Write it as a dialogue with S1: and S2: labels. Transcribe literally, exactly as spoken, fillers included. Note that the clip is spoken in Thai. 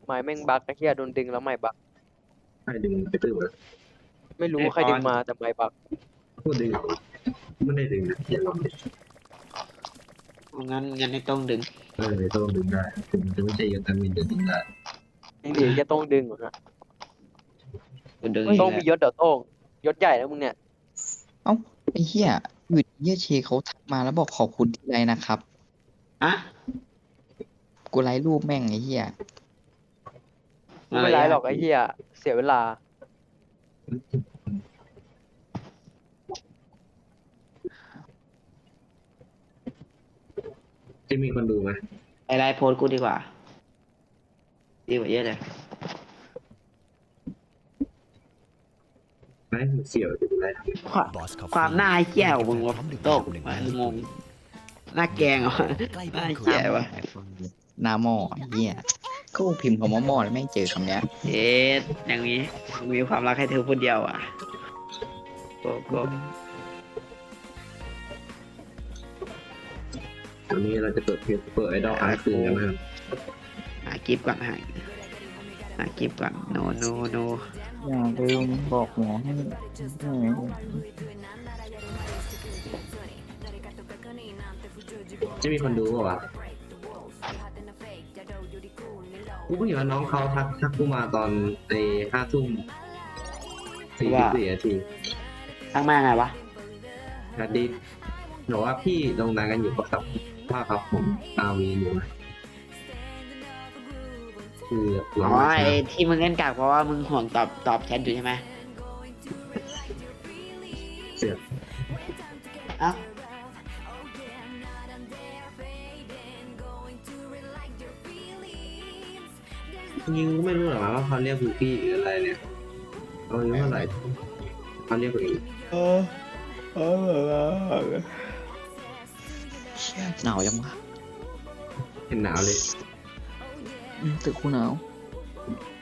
S1: ไม้แม่งบักไอ้เหี้ยโดนดึงแล้วไม้บัก
S2: ให้ดึงไปตื้อเลย
S1: ไม่รู้ว่าใครดึงมาแต่ไม้บัก
S2: พูดดึงไม่ได้ดึงนะอย่าลองดิ
S3: งั้นงั้นไม่ต้องดึง
S2: เออต้องดึงได้ถึงจะไม่ใช่ยาตามินจะดึงได้
S1: จริงดิจะต้องดึงเหรอฮะ
S3: ดึง
S1: ต้องมียศเดี๋ยวโต้งยศใหญ่แล้วมึงเนี่ย
S4: เอ้าไอ้เหี้ยอยู่ดีเหี้ยเชเขาทักมาแล้วบอกขอบคุณที่ไลน์นะครับ
S3: อะ
S4: กูไลน์รูปแม่งไอ้เหี้ย
S1: ไม่เป็นไรหรอกไอ้เหี้ยเสียเวลา
S2: จะมีคนดูไหม
S3: ไอไลน์โพสกูดีกว่าดีกว่าเยอะเลย
S2: ไม่เสี่ยวจะดูได้ทำ
S3: ความความหน้าเหี้ยวมึงวะโต๊ะงงหน้าแกงเหรอหน้าเหี้ยวะ
S4: หน้าหม้อไอ้เหี้ยก็พิมพ์คำว่าหม้อแล้วแม่งเจอคำเนี้ย
S3: เอ๊ะอย่างนี้มีความรักให้เธอคนเดียวอ่ะโกโก้
S2: วันนี้เราจะเปิดเพจเปิดไอดอลค้างคืนกันนะครับ
S3: หากิฟต์ก่อนหาหากิฟต์ก่อนโนโนโน
S4: อย่าลืมบอกหมอให้
S2: จะมีคนดูป่าวะกูเพิ่งเห็นว่าน้องเขาทักทักกูมาตอนในห้าทุ่มสี่สิบสี่นาที
S3: ทักมาไงวะ
S2: นัดดิบอกว่าพี่ลงนานกันอยู่กับว่าครับผมอาวีอยู่คือ
S3: อ๋อไอ้ที่มึงเล่นกากเพราะว่ามึงห่วงตอบตอบแชทอยู่ใช่ไหม
S2: เสีย
S3: เอ้า
S2: ยิงไม่รู้หรอว่าเขาเรียกกูพี่หรืออะไรเนี่ยเขาอายุเท่าไหร่เขาเรียกกูอีก
S4: เออเออหนาวยังวะ
S2: เป็นหนาวเลย
S4: ตึกกูหนาว